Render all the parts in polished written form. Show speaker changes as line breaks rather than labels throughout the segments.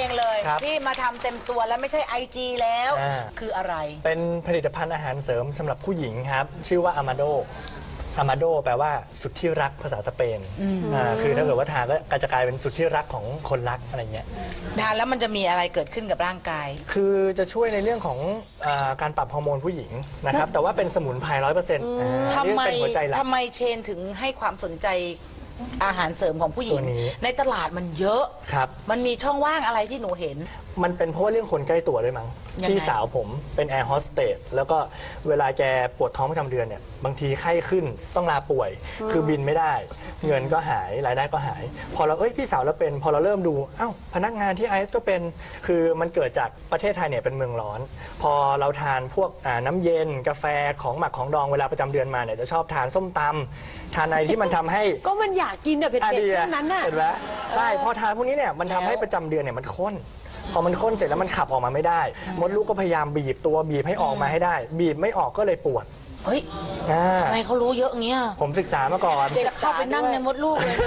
องเลยที่มาทำเต็มตัวแล้วไม่ใช่ IG แล้วคืออะไร
เป็นผลิตภัณฑ์อาหารเสริมสำหรับผู้หญิงครับชื่อว่าอามาโดแปลว่าสุดที่รักภาษาสเปนคือถ้าเกิดว่าทานก็จะกลายเป็นสุดที่รักของคนรักอะไรเงี้ย
ทานแล้วมันจะมีอะไรเกิดขึ้นกับร่างกาย
คือจะช่วยในเรื่องของการปรับฮอร์โมนผู้หญิงนะครับแต่ว่าเป็นสมุนไพร100%
ทำไมเชนถึงให้ความสนใจอาหารเสริมของผู้หญิงในตลาดมันเยอะ
ครับ
มันมีช่องว่างอะไรที่หนูเห็น
มันเป็นเพราะว่าเรื่องคนใกล้ตัวด้วยมั้งพี่สาวผมเป็นแอร์โฮสเตสแล้วก็เวลาแกปวดท้องประจำเดือนเนี่ยบางทีไข้ขึ้นต้องลาป่วยคือบินไม่ได้เงินก็หายรายได้ก็หายพอเราพี่สาวเราเป็นพอเราเริ่มดูพนักงานที่ไอซ์ก็เป็นคือมันเกิดจากประเทศไทยเนี่ยเป็นเมืองร้อนพอเราทานพวกน้ำเย็นกาแฟของหมักของดองเวลาประจำเดือนมาเนี่ยจะชอบทานส้มตำทานอะไรที่มันทำให้
ก็มันอยากกินเผ็ดๆช่วงนั้นน่ะ
เห็นไหมใช่พอทานพวกนี้เนี่ยมันทำให้ประจำเดือนเนี่ยมันข้นพอมันข้นเสร็จแล้วมันขับออกมาไม่ได้มดลูกก็พยายามบีบตัวบีบให้ออกมาให้ได้บีบไม่ออกก็เลยปวด
เฮ้ยทำไมเขารู้เยอะเงี้ย
ผมศึกษามาก่อน
เด็กเข้าไปนั่งในมดลูกเลย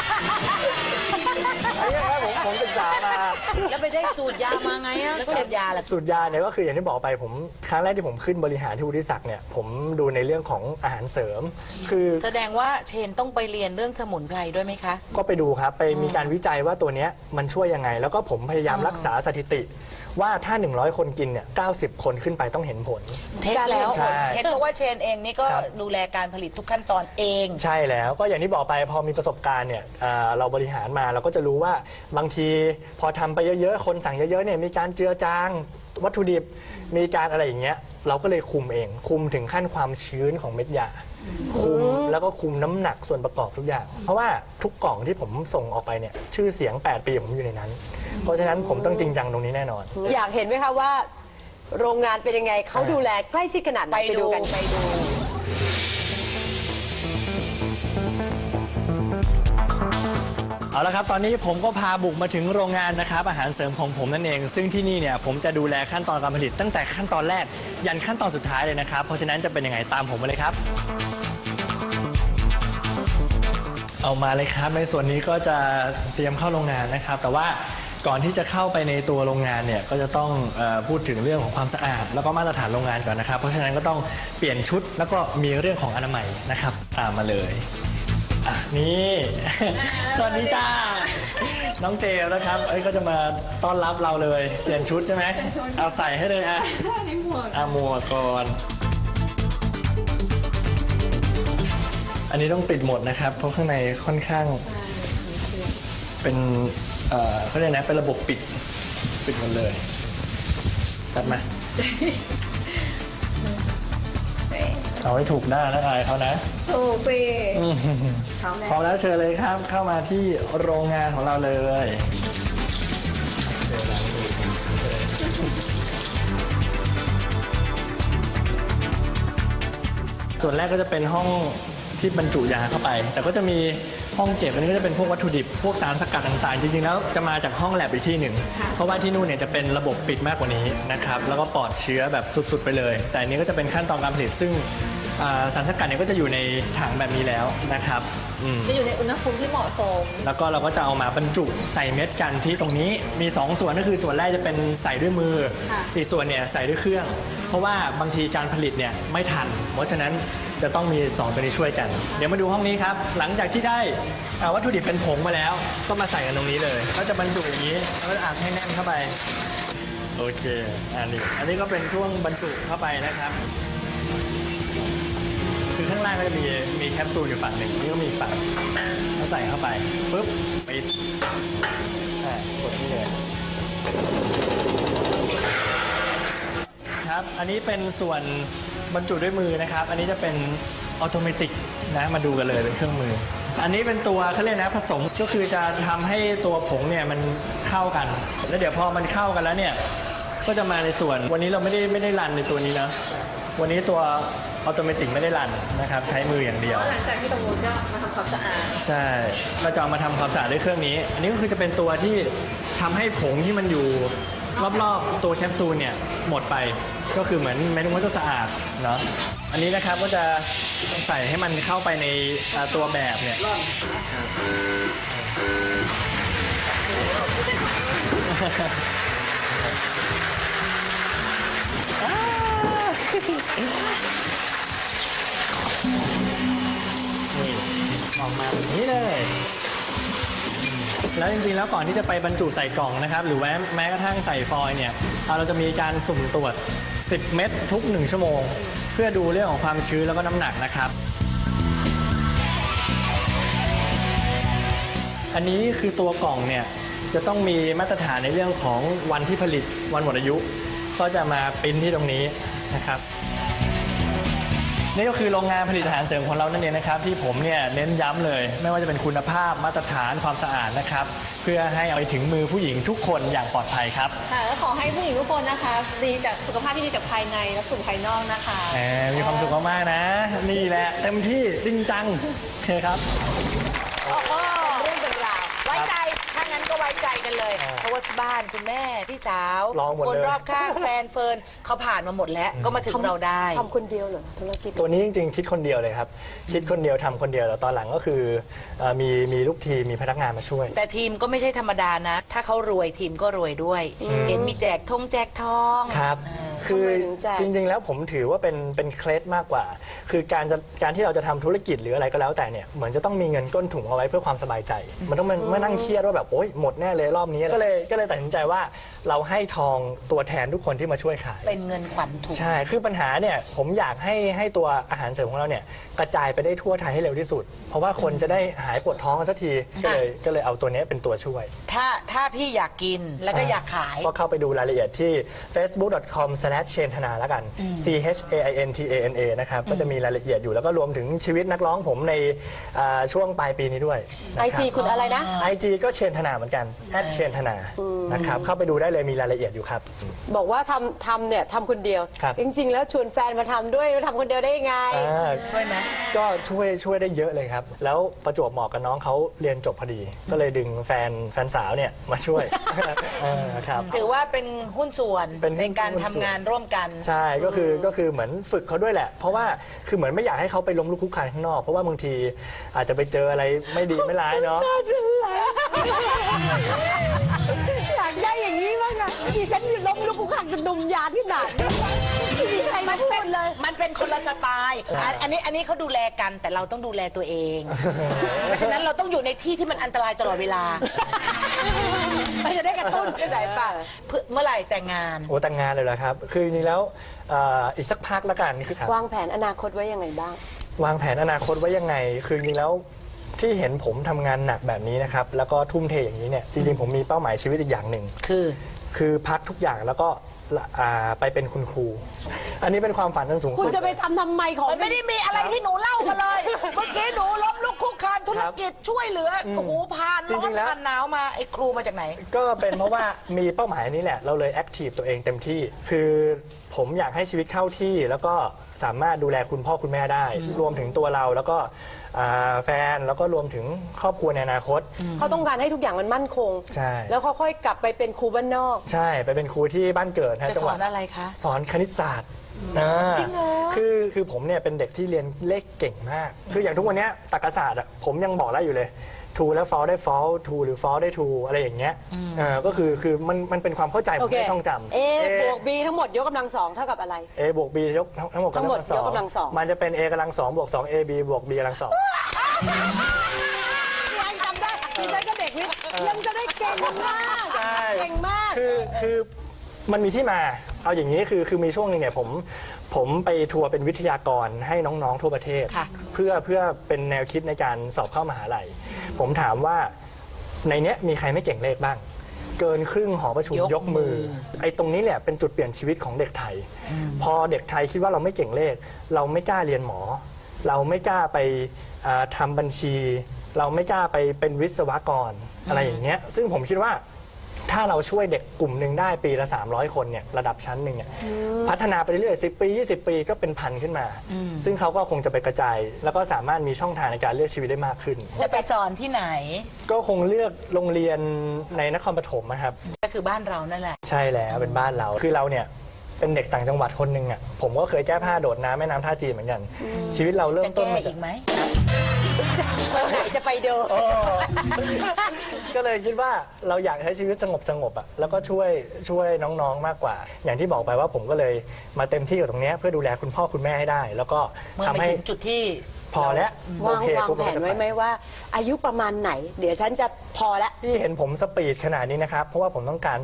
ผมศึกษามา
แล้วไปได้สูตรยามาไงอะสูตรยาล่ะ
สูตรยาเนี่ยก็คืออย่างที่บอกไปผมครั้งแรกที่ผมขึ้นบริหารที่วุฒิศักดิ์เนี่ยผมดูในเรื่องของอาหารเสริมคือ
แสดงว่าเชนต้องไปเรียนเรื่องสมุนไพรด้วยไหมคะ
ก็ไปดูครับไปมีการวิจัยว่าตัวนี้มันช่วยยังไงแล้วก็ผมพยายามรักษาสถิติว่าถ้า100คนกินเนี่ย90คนขึ้นไปต้องเห็นผล
เทสแล้วเห็นบอกว่าเชนเองนี่ก็ดูแลการผลิตทุกขั้นตอนเอง
ใช่แล้วก็อย่างที่บอกไปพอมีประสบการณ์เนี่ยเราบริหารมาเราก็จะรู้ว่าบางทีพอทำไปเยอะๆคนสั่งเยอะๆเนี่ยมีการเจือจางวัตถุดิบมีการอะไรอย่างเงี้ยเราก็เลยคุมเองคุมถึงขั้นความชื้นของเม็ดยาคุมแล้วก็คุมน้ำหนักส่วนประกอบทุกอย่างเพราะว่าทุกกล่องที่ผมส่งออกไปเนี่ยชื่อเสียง8ปีผมอยู่ในนั้นเพราะฉะนั้นผมต้องจริงจังตรงนี้แน่นอน
อยากเห็นไหมคะว่าโรงงานเป็นยังไงเขาดูแลใกล้ชิดขนาดไหนไปดูกันไปดู
เอาละครับตอนนี้ผมก็พาบุกมาถึงโรงงานนะครับอาหารเสริมของผมนั่นเองซึ่งที่นี่เนี่ยผมจะดูแลขั้นตอนการผลิตตั้งแต่ขั้นตอนแรกยันขั้นตอนสุดท้ายเลยนะครับเพราะฉะนั้นจะเป็นยังไงตามผมมาเลยครับเอามาเลยครับในส่วนนี้ก็จะเตรียมเข้าโรงงานนะครับแต่ว่าก่อนที่จะเข้าไปในตัวโรงงานเนี่ยก็จะต้องพูดถึงเรื่องของความสะอาดแล้วก็มาตรฐานโรงงานก่อนนะครับเพราะฉะนั้นก็ต้องเปลี่ยนชุดแล้วก็มีเรื่องของอนามัยนะครับตามมาเลยนี่สวัสดีจ้าน้องเจลนะครับก็จะมาต้อนรับเราเลยเปลี่ยนชุดใช่ไหมเอาใส่ให้เลยหมวกก่อนอันนี้ต้องปิดหมดนะครับเพราะข้างในค่อนข้างเป็นเขาเรียกนะเป็นระบบปิดหมดเลยตัดมาเอาให้ถูกหน้าแล้วอายเขานะ
ถูกสิ
พร้อมแล้วเชิญเลยครับเข้ามาที่โรงงานของเราเลยส่วนแรกก็จะเป็นห้องที่บรรจุยาเข้าไปแต่ก็จะมีห้องเก็บอันนี้ก็จะเป็นพวกวัตถุดิบพวกสารสกัดต่างๆจริงๆแล้วจะมาจากห้องแลบอีกที่หนึ่งเพราะว่าที่นู่นเนี่ยจะเป็นระบบปิดมากกว่านี้นะครับแล้วก็ปลอดเชื้อแบบสุดๆไปเลยแต่อันนี้ก็จะเป็นขั้นตอนการผลิตซึ่งสารสกัดเนี่ยก็จะอยู่ในถังแบบนี้แล้วนะครับ
จะอยู่ในอุณหภูมิที่เหมาะสม
แล้วก็เราก็จะเอามาบรรจุใส่เม็ดกันที่ตรงนี้มี2ส่วนก็คือส่วนแรกจะเป็นใส่ด้วยมืออีกส่วนเนี่ยใส่ด้วยเครื่องเพราะว่าบางทีการผลิตเนี่ยไม่ทันเพราะฉะนั้นจะต้องมี2ตัวนี้ช่วยกันเดี๋ยวมาดูห้องนี้ครับหลังจากที่ได้วัตถุดิบเป็นผงมาแล้วก็มาใส่กันตรงนี้เลยก็จะบรรจุอย่างนี้แล้วก็อัดให้แน่นเข้าไปโอเคอันนี้ก็เป็นช่วงบรรจุเข้าไปนะครับคือข้างล่างก็จะมีแคปซูลอยู่ฝั่งหนึ่งนี่ก็มีฝั่งก็ใส่เข้าไปปุ๊บปิดกดนี่เลยครับอันนี้เป็นส่วนบรรจุด้วยมือนะครับอันนี้จะเป็นออโตเมติกนะมาดูกันเลยเป็นเครื่องมืออันนี้เป็นตัวเขาเรียกนะผสมก็คือจะทำให้ตัวผงเนี่ยมันเข้ากันแล้วเดี๋ยวพอมันเข้ากันแล้วเนี่ยก็จะมาในส่วนวันนี้เราไม่ได้รันในตัวนี้นะวันนี้ตัวออโตเมติกไม่ได้รันนะครับใช้มืออย่างเดียว
หลังจากที่ตรงนู้นก็มาทำความสะอาด
ใช่เราจะเอามาทำความสะอาดด้วยเครื่องนี้อันนี้ก็คือจะเป็นตัวที่ทำให้ผงที่มันอยู่รอบๆตัวแคปซูลเนี่ยหมดไปก็คือเหมือนแม้ว่าจะสะอาดเนาะอันนี้นะครับก็จะใส่ให้มันเข้าไปในตัวแบบเนี่ยนี่ออกมาแบบนี้เลย แล้วจริงๆแล้วก่อนที่จะไปบรรจุใส่กล่องนะครับ หรือแม้กระทั่งใส่ฟอยล์เนี่ยเราจะมีการสุ่มตรวจ 10 เม็ดทุก 1 ชั่วโมง เพื่อดูเรื่องของความชื้นแล้วก็น้ำหนักนะครับ อันนี้คือตัวกล่องเนี่ยจะต้องมีมาตรฐานในเรื่องของวันที่ผลิตวันหมดอายุ ก็จะมาปริ้นที่ตรงนี้นะครับ นี่ก็คือโรงงานผลิตอาหารเสริมของเรานั่นเองนะครับที่ผมเนี่ยเน้นย้ำเลย ไม่ว่าจะเป็นคุณภาพมาตรฐานความสะอาดนะครับ เพื่อให้เอาไปถึงมือผู้หญิงทุกคนอย่างปลอดภัยครับ
ค่ะก็ขอให้ผู้หญิงทุกคนนะคะดีจากสุขภาพที่ดีจากภายในและสู่ภายนอกนะคะ
มีความสุขมากๆนะ นี่แหละเต็มที่จริงจังโอเคครับ
โอ้โหเรื่องเป็นราวไว้ใจถ้างั้นก็ไว้ใจกันเลย เพราะว่าที่บ้านคุณแม่พี่สาว
ลองหมดเลย
คนรอบข้างแฟนเฟิร์นเขาผ่านมาหมดแล้วก็มาถึงเราได้
ทำคนเดียวเหรอธุรกิจ
ตัวนี้จริงๆคิดคนเดียวเลยครับ คิดคนเดียวทำคนเดียวแต่ตอนหลังก็คือมีลูกทีมมีพนักงานมาช่วย
แต่ทีมก็ไม่ใช่ธรรมดานะ ถ้าเขารวยทีมก็รวยด้วย เห็นมีแจกแจกทอง
ครับ คือ
ทำไมถึงแจก
จริงๆ แล้วผมถือว่าเป็นเคล็ดมากกว่า คือการที่เราจะทำธุรกิจหรืออะไรก็แล้วแต่เนี่ย เหมือนจะต้องมีเงินก้นถุงเอาไว้เพื่อความสบายใจ มันต้องมานั่งเครียดว่าแบบโอ๊ยหมดแน่เลยรอบนี้ ก็เลยตัดสินใจว่าเราให้ทองตัวแทนทุกคนที่มาช่วยขาย
เป็นเงินขวัญถุง
ใช่ คือปัญหาเนี่ยผมอยากให้ตัวอาหารเสริมของเราเนี่ยกระจายไปได้ทั่วไทยให้เร็วที่สุด เพราะว่าคนจะได้หายปวดท้องกันสักที ก็เลยเอาตัวเนี้ยเป็นตัวช่วย
ถ้าพี่อยากกินแล้วก็อยากขาย
ก็เข้าไปดูรายละเอียดที่ facebook.com/chaintana แล้วกัน CHAINTANA นะครับ ก็จะมีรายละเอียดอยู่แล้วก็รวมถึงชีวิตนักร้องผมในช่วงปลายปีนี้ด้วย
IG คุณอะไรนะ
IG ก็เชนธนาเหมือนกันเชนธนานะครับ เข้าไปดูได้เลยมีรายละเอียดอยู่ครับ
บอกว่าทำเนี่ยทำคนเดียว
ครับ
จริงๆ แล้วชวนแฟนมาทำด้วยแล้วทำคนเดียวได้ยังไง
ช่วยไหม
ก็ช่วยได้เยอะเลยครับ แล้วประจวบเหมาะกับน้องเขาเรียนจบพอดี ก็เลยดึงแฟนสาวเนี่ยมาช่วย ครับ
ถือว่าเป็นหุ้นส่วน
เป็นหุ้
ใน
น
การทำงานร่วมกัน
ใช่ก็คือเหมือนฝึกเขาด้วยแหละ เพราะว่าคือเหมือนไม่อยากให้เขาไปล้มลุกคลุกคลานข้างนอก เพราะว่าบางทีอาจจะไปเจออะไรไม่ดีไม่ร้ายเนาะ
อยากได้อย่างนี้บ้างนะดิฉันอยู่ล้มลุกคลุกคลานจะดมยาที่ไหนไม่มีใครมาพูดเลย
มันเป็นคนละสไตล์อันนี้เขาดูแลกันแต่เราต้องดูแลตัวเอง เพราะฉะนั้นเราต้องอยู่ในที่ที่มันอันตรายตลอดเวลามันจะได้กระตุ้นกระแสป่ะเมื่อไหร่แต่งงาน
โอ้แต่งงานเลยเหรอครับ คือจริงๆแล้วอีกสักพักละกันคือครับ
วางแผนอนาคตไว้ยังไงบ้าง
วางแผนอนาคตไว้ยังไง คือจริงๆแล้วที่เห็นผมทำงานหนักแบบนี้นะครับ แล้วก็ทุ่มเทอย่างนี้เนี่ย จริงๆผมมีเป้าหมายชีวิตอีกอย่างหนึ่ง คือพักทุกอย่างแล้วก็ไปเป็นคุณครู อันนี้เป็นความฝันอันสูง
คุณ
สุด
จะไปทำไมของ
มันไม่ได้มีอะไรที่หนูเล่ามาเลย เมื่อกี้หนูล้มลุกคลุกคลานธุรกิจช่วยเหลือโอ้โหผ่านร้อนผ่านหนาวมาไอ้ครูมาจากไหน
ก็เป็นเพราะว่ามีเป้าหมายนี้แหละ เราเลยแอคทีฟตัวเองเต็มที่ คือผมอยากให้ชีวิตเข้าที่แล้วก็สามารถดูแลคุณพ่อคุณแม่ได้ รวมถึงตัวเราแล้วก็แฟนแล้วก็รวมถึงครอบครัวในอนาคต
เขาต้องการให้ทุกอย่างมันมั่นคง
ใช่
แล้วเขาค่อยกลับไปเป็นครูบ้านนอก
ใช่ไปเป็นครูที่บ้านเกิด
จะ
จัง
ส
ห
อ
วัด
นอะไรคะ
สอนคณิตศาสตร์จริงเหรอคือผมเนี่ยเป็นเด็กที่เรียนเลขเก่งมาก คืออย่างทุกวันเนี้ยตรรกศาสตร์อะผมยังบอกได้อยู่เลย ทูแล้วฟอลได้ฟอลทูหรือฟอลได้ทูอะไรอย่างเงี้ยก็คือมันเป็นความเข้าใจผ
โอ
ม
เค
ไม่ต้องจำ
A บวก B ทั้งหมดยกกำลังสองเท่ากับอะไร
A บวก B ยกทั้งหมด
ทั้งหมดยกกำลังสอง
มันจะเป็น A กำลัง2บวก2 AB บวก B กำลัง2
ยังจำได้ดิฉันก็เด็กวิทย์ยังจะได้เก่งมาก
ใช่
เก่งมาก
คือมันมีที่มา เอาอย่างนี้คือมีช่วงหนึงเนี่ยผมไปทัวร์เป็นวิทยากรให้น้องๆทั่วประเทศ
ค่ะ
เพื่อเป็นแนวคิดในการสอบเข้ามหาลัย ผมถามว่าในเนี้ยมีใครไม่เก่งเลขบ้าง เกินครึ่งหอประชุมยกมือ ไอ้ตรงนี้เนี่ยเป็นจุดเปลี่ยนชีวิตของเด็กไทย พอเด็กไทยคิดว่าเราไม่เก่งเลข เราไม่กล้าเรียนหมอ เราไม่กล้าไปทำบัญชี เราไม่กล้าไปเป็นวิศวกรอะไรอย่างเงี้ยซึ่งผมคิดว่าถ้าเราช่วยเด็กกลุ่มหนึ่งได้ปีละ300 คนเนี่ยระดับชั้นหนึ่งเนี่ยพัฒนาไปเรื่อยๆ10 ปี 20 ปีก็เป็นพันขึ้นมา ซึ่งเขาก็คงจะไปกระจาย แล้วก็สามารถมีช่องทางในการเลือกชีวิตได้มากขึ้น
จะไปสอนที่ไหน
ก็คงเลือกโรงเรียนในนครปฐมนะครับ
ก็คือบ้านเรานั่นแหละ
ใช่แล้วเป็นบ้านเราคือเราเนี่ยเป็นเด็กต่างจังหวัดคนหนึ่งอ่ะผมก็เคยแก้ผ้าโดดน้ำแม่น้ำท่าจีนเหมือนกัน ชีวิตเราเริ่
จะ
มต้น
แก้
มา
อี
จาก
กไหม
วันไหนจะไปเดิน
ก็เลยคิดว่าเราอยากใช้ชีวิตสงบอ่ะแล้วก็ช่วยน้องๆมากกว่า อย่างที่บอกไปว่าผมก็เลยมาเต็มที่กับตรงเนี้ยเพื่อดูแลคุณพ่อคุณแม่ให้ได้ แล้วก็
เมื่อ
ทำ
ไป
ให้
ถึงจุดที่
พอแล้ว
วาง
โอเคว
าง
ปุ๊บ
แผนไว้ไหมว่า อายุประมาณไหน เดี๋ยวฉันจะพอละ
ที่เห็นผมสปีดขนาดนี้นะครับเพราะว่าผมต้องการ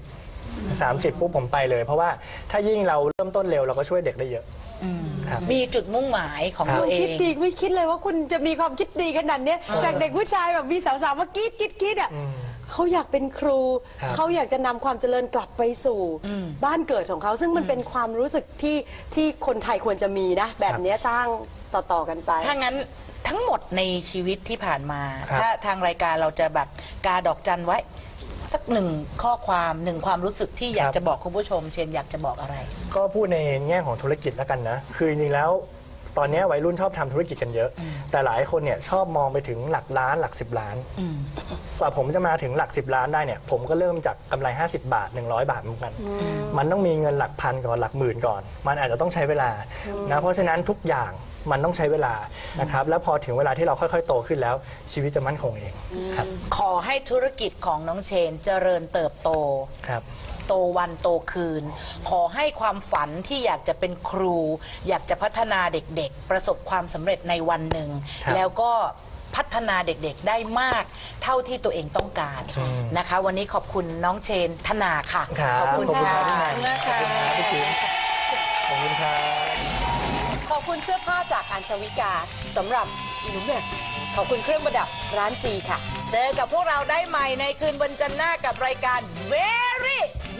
30ปุ๊บผมไปเลย เพราะว่าถ้ายิ่งเราเริ่มต้นเร็วเราก็ช่วยเด็กได้เยอะครับ
มีจุดมุ่งหมายของตัวเอ
คิด
ง
ดีไม่คิดเลยว่าคุณจะมีความคิดดีขนาดเนี้ยจากเด็กผู้ชายแบบมีสาวๆมากรีดอ่ะเขาอยากเป็นครู
ครับ
เขาอยากจะนำความเจริญกลับไปสู่บ้านเกิดของเขาซึ่งมันเป็นความรู้สึกที่คนไทยควรจะมีนะ แบบเนี้ยสร้างต่อๆกันไป
ถ้างั้นทั้งหมดในชีวิตที่ผ่านมา
ครับ
ถ้าทางรายการเราจะแบบกาดอกจันไว้ สักหนึ่งข้อความหนึ่งความรู้สึกที่อยากจะบอกคุณผู้ชม เชนอยากจะบอกอะไร
ก็พูดในแง่ของธุรกิจแล้วกันนะ คือจริงๆแล้วตอนนี้วัยรุ่นชอบทำธุรกิจกันเยอะ แต่หลายคนเนี่ยชอบมองไปถึงหลักล้านหลัก10 ล้าน กว่าผมจะมาถึงหลัก10 ล้านได้เนี่ยผมก็เริ่มจากกำไร50 บาท100 บาทเหมือนกัน มันต้องมีเงินหลักพันก่อนหลักหมื่นก่อน มันอาจจะต้องใช้เวลานะเพราะฉะนั้นทุกอย่างมันต้องใช้เวลานะครับแล้วพอถึงเวลาที่เราค่อยๆโตขึ้นแล้วชีวิตจะมั่นคงเองครับ
ขอให้ธุรกิจของน้องเชนเจริญเติบโต
ครับ
โตวันโตคืน ขอให้ความฝันที่อยากจะเป็นครู อยากจะพัฒนาเด็กๆ ประสบความสำเร็จในวันหนึ่ง
ครับ
แล้วก็พัฒนาเด็กๆได้มากเท่าที่ตัวเองต้องการนะคะ วันนี้ขอบคุณน้องเชนธนาค่ะ
ครับ
ขอบคุณ
ขอบคุณ
ค่ะ
ครับพี่นาย
นะคะ
พี่จิ๋มขอบคุณครับ
ขอบคุณเสื้อผ้าจากอัญชวิกาสำหรับหนูแม่ขอบคุณเครื่องประดับร้านจีค่ะ
เจอกับพวกเราได้ใหม่ในคืนวันจันทร์หน้ากับรายการ Very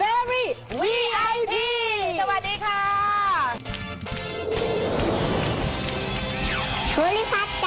VIP สวัสดีค่ะ
ภูริพัฒน์